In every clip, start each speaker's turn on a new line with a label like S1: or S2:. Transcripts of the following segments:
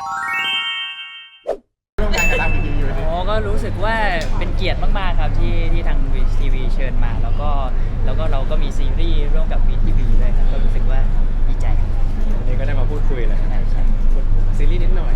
S1: ร่วมงานกับทางวีทีอยู่ดิ
S2: อ๋อก็รู้สึกว่าเป็นเกียรติมากๆครับที่ทางวีทีวีเชิญมาแล้วก็เราก็มีซีรีส์ร่วมกับวีทีวีด้วยครับก็รู้สึกว่าดีใจครับ
S3: วันนี้ก็ได้มาพูดคุยเลย
S2: ใช่
S3: พูดซีรีส์นิดหน่อย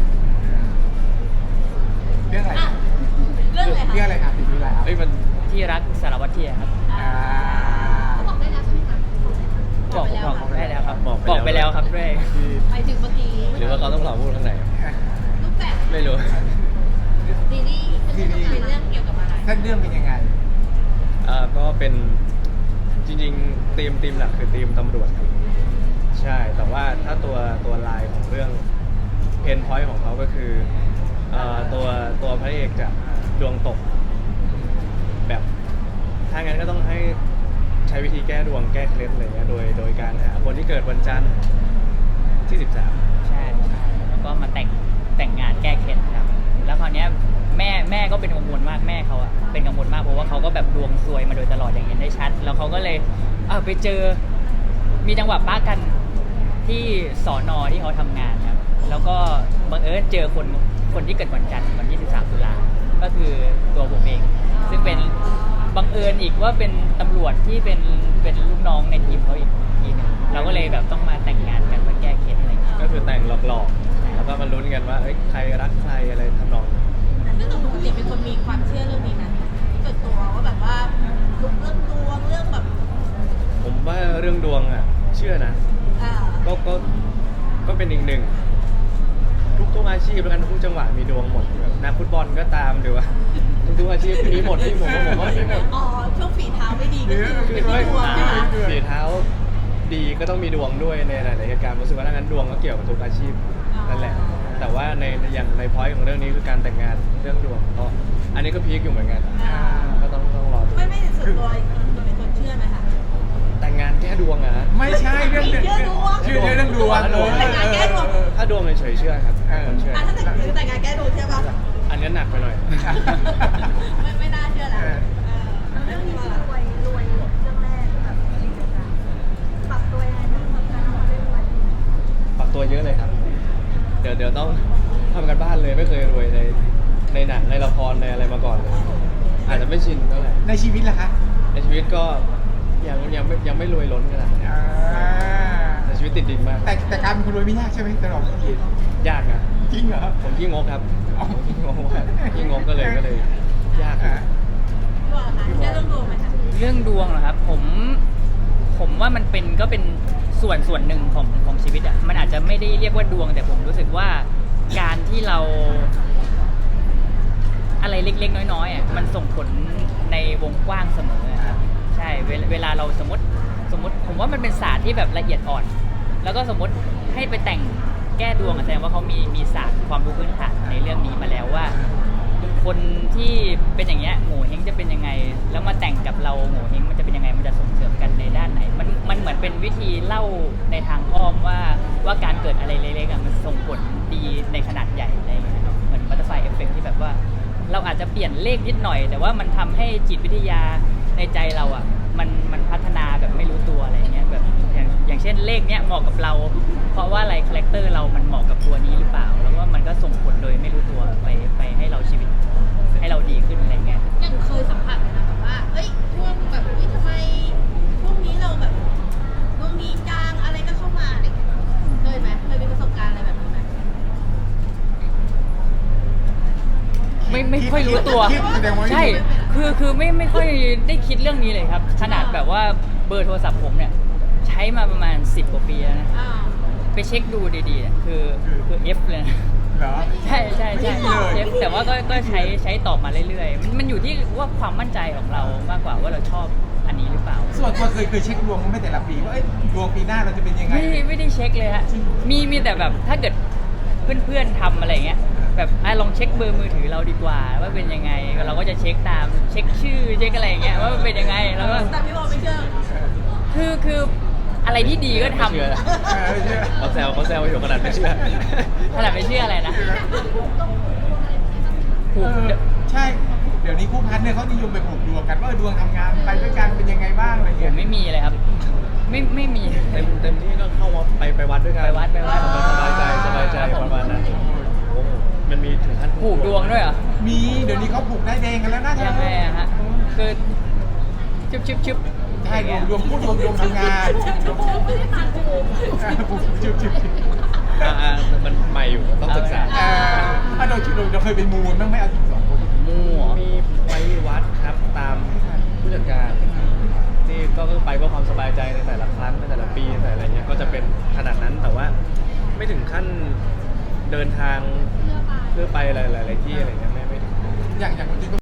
S1: เรื่องอะไร
S4: อ่ะเรื่องอะไรคะ
S1: เรื่องอะไรครับติดอยู่แล้ว
S3: เอ้ยมัน
S2: ที่รักสารวัตรเทียครับ
S1: อ่า
S4: เขาบอกได้แล้วใช่ไหมคะ
S2: บอกได้แล้วครับ
S3: บอกไปแล้ว
S2: ครับด้วย
S3: ที่
S4: ไปถึงเมื่อกี้
S3: หรือว่าเขาต้องรอพูดข้างใน
S4: รูปแบบ
S3: ไม่รู้
S4: ซีรีส์เป็นเรื่องเกี่ยวกับอะไร
S1: เส้นเรื่องเป็นยังไง
S3: ก็เป็นจริงๆธีมหลักคือธีมตำรวจครับใช่แต่ว่าถ้าตัวลายของเรื่องเพนพอยต์ของเขาก็คือตัวพระเอกจะดวงตกแบบถ้างั้นก็ต้องให้ใช้วิธีแก้ดวงแก้เคล็ดอะไรเงี้ยโดยการหาคนที่เกิดวันจันทร์ที่ 13
S2: ใช่แล้วก็มาแต่งงานแก้เคล็ดครับแล้วคราวเนี้ยแม่ก็เป็นกังวลมากแม่เขาอะเป็นกังวลมากเพราะว่าเขาก็แบบดวงซวยมาโดยตลอดอย่างเห็นได้ชัดแล้วเขาก็เลยไปเจอมีจังหวะป้ากันที่สอนอที่เขาทำงานครับแล้วก็บังเอิญเจอคนที่เกิดวันจันทร์วันที่13 ตุลาก็คือตัวผมเองซึ่งเป็นบังเอิญอีกว่าเป็นตำรวจที่เป็นลูกน้องในทีมเขาอีกทีหนึงเราก็เลยแบบต้องมาแต่งงานกันเพื่อแก้เคล็ดอะไรอย่างเงี้ย
S3: ก็คือแต่งหลอกๆแล้วก็มาลุ้นกันว่าเอ้ยใครรักใครอะไรทำนองนั้น
S4: ซึ่งตัวปกติเป็นคนมีความเชื่อเรื่องนี้นะที่เกิดตัวว่าแบบว่าเรื่องดวงเรื่องแบบ
S3: ผมว่าเรื่องดวงอ่ะเชื่อนะ
S4: อ่า
S3: ก็เป็นอีกหนึ่งทุกอาชีพแล้วกันทุกจังหวะมีดวงหมดแบบนักฟุตบอลก็ตามหรือว่าทุกอาชีพมีหมดที่ผมว่ามีหมด
S4: อ๋อช่วงฝีเท้าไม่ดีก็คือ
S3: คือ
S4: เป็น
S3: ไม่
S4: ที่ดวงใช่ไหม
S3: ฝีเท้าดีก็ต้องมีดวงด้วยในหลายๆเหตุการณ์รู้สึกว่าถ้างั้นดวงก็เกี่ยวกับทุกอาชีพนั่นแหละแต่ว่าอย่างในพอยต์ของเรื่องนี้คือการแต่งงานเรื่องดวงก็อันนี้ก็พีคอยู่เหมือนกันก็ต้องรอดู
S4: ไม่ส่วนตัวตัวเป็นคนเชื่อไหมคะ
S3: แต่งงานแก้ดวงอะฮะ
S1: ไม่ใช่เรื่อง
S4: เชื่อดวง
S1: ชื่อเรื่องดวง
S4: แต่งงานแก้ดวง
S3: ถ้าดวงเฉยๆเชื่อครับผมเชื่อ
S4: อ่ะถ้าแต่งงานแก้ดวงเชื่อป่ะ
S3: อันนี้หนักไปหน่อย
S4: ไม่น่าเชื่อแล้วเรื่องนี้คือรวยเรื่องแรกแบบปรับตัวยังไงบ้างกับการทำเรื่องรวย
S3: ปรับตัวเยอะเลยครับ เดี๋ยวต้องทำกันบ้านเลยไม่เคยรวยในหนังในละครในอะไรมาก่อนเลยอาจจะไม่ชินเท่าไหร่
S1: ในชีวิตล่ะคะ
S3: ในชีวิตก็ยังไม่รวยล้นขนาดนี้
S1: อ่า
S3: ในชีวิตติดดินมาก
S1: แต่การเป็นคนรวยไม่ยากใช่ไหมตลอดชีวิต
S3: ยากนะ
S1: จริงเหรอ
S3: ผมขี้งกครับ
S1: อ๋อ
S3: ผมขี้งกมากขี้งกก็เลยยาก
S1: อ่า
S4: พี่บอกนะคะเชื่อเรื่องดวงไหมคะ
S2: เรื่องดวงเหรอครับผมว่ามันก็เป็นส่วนหนึ่งของชีวิตอ่ะมันอาจจะไม่ได้เรียกว่าดวง แต่ผมรู้สึกว่าการที่เราอะไรเล็กๆน้อยๆอ่ะมันส่งผลในวงกว้างเสมอครับใช่เวลาเราสมมติผมว่ามันเป็นศาสตร์ที่แบบละเอียดอ่อน แล้วก็สมมติให้ไปแต่งแก้ดวงอะแสดงว่าเขามีศาสตร์ความรู้พื้นฐานในเรื่องนี้มาแล้วว่า คนที่เป็นอย่างเงี้ยโง่เฮงจะเป็นยังไง แล้วมาแต่งกับเราโง่เฮงมันจะเป็นยังไงมันจะส่งเสริมกันในด้านไหนมันเหมือนเป็นวิธีเล่าในทางอ้อมว่าการเกิดอะไรเล็กๆอะมันส่งผลดีในขนาดใหญ่อะไรอย่างเงี้ยครับเหมือนบัตเตอร์ไฟเอฟเฟกที่แบบว่า เราอาจจะเปลี่ยนเลขนิดหน่อย แต่ว่ามันทำให้จิตวิทยาในใจเราอ่ะมันพัฒนาแบบไม่รู้ตัวอะไรเงี้ยแบบอย่างเช่นเลขเนี้ยเหมาะกับเรา เพราะว่าอะไรคาแรคเตอร์เรามันเหมาะกับตัวนี้หรือเปล่า แล้วก็มันก็ส่งผลโดยไม่รู้ตัวไปให้เราชีวิตให้เราดีขึ้นอะไรเงี้ย
S4: ยังเคยสัมผัสเลยนะแบบว่าเอ้ยช่วงแบบทำไมช่วงนี้เราแบบดวงดีจังอะไรก็เข้ามาอะไรอย่างเงี้ยเคยไหมเคยมีประสบการณ์อะไรแบบนี้ไหม
S2: ไม่ค่อยรู้ตัว
S1: คิดแสดงว่า
S2: ใช่คือไม่ค่อยได้คิดเรื่องนี้เลยครับ ขนาดแบบว่าเบอร์โทรศัพท์ผมเนี่ยใช้มาประมาณ10 กว่าปีแล้วนะ
S4: อ่า
S2: ไปเช็คดูดีๆเนี่ยคือ F เลยนะ
S1: เหรอ
S2: ใช่
S1: ไม่มีเลย
S2: F แต่ว่าก็ใช้ตอบมาเรื่อยๆมันอยู่ที่ว่าความมั่นใจของเรามากกว่าว่าเราชอบอันนี้หรือเปล่า
S1: ส่วนตัวเคยเช็คดวงไม่แต่ละปีว่าเอ้ยดวงปีหน้าเราจะเป็นยังไง
S2: ไม่ได้เช็คเลยฮะมีแต่แบบถ้าเกิดเพื่อนๆทำอะไรเงี้ยแบบลองเช็คเบอร์มือถือเราดีกว่าว่าเป็นยังไงเราก็จะเช็คตามเช็คชื่อเช็คอะไรอย่างเงี้ยว่ามันเป็นยังไงแล้วก็
S4: แต่พี่บอกไม่เชื่อ
S2: คืออะไรที่ดีก็ทำ
S3: ไม่เชื่อ
S1: ไม่เชื่อ
S3: เขาแซวอยู่ขนาดไม่เชื่อ
S2: ขนาดไม่เชื่ออะไรนะผูก
S1: ใช่ เดี๋ยวนี้คู่พันเนี่ยเขานิยมไปผูกดวงกันว่าดวงทำงานไปด้วยกันเป็นยังไงบ้างอะไร
S2: ผ
S1: เงี้
S2: ม
S1: ย
S2: ไม่มีเลยครับ ไม่มี
S3: เต็มที่ก็เข้าวัดไปวัดด้วยกัน
S2: ไปวัด
S3: สบายใจประมาณนั้น
S1: มีเดี๋ยวนี้เขาผูกได้ายแดงกันแล้วนะ
S2: ยังไงอะฮะคือชึบ
S1: ใช่ดวงพูดดวงทำงานผูกชึบ
S3: มันใหม่อยู่ต้องศึกษา
S1: เราเคยไปมูลบ้างไหมเอาจริงสองคน
S2: มั่ว
S3: มีไปวัดครับตามผู้จัดการที่ก็ไปเพื่อความสบายใจในแต่ละครั้งในแต่ละปีในแต่อะไรเงี้ยก็จะเป็นขนาดนั้นแต่ว่าไม่ถึงขั้นเดินทางเพื่อไปหลายๆที่อะไรเงี้ยไม่ถึง
S1: อย่างจริง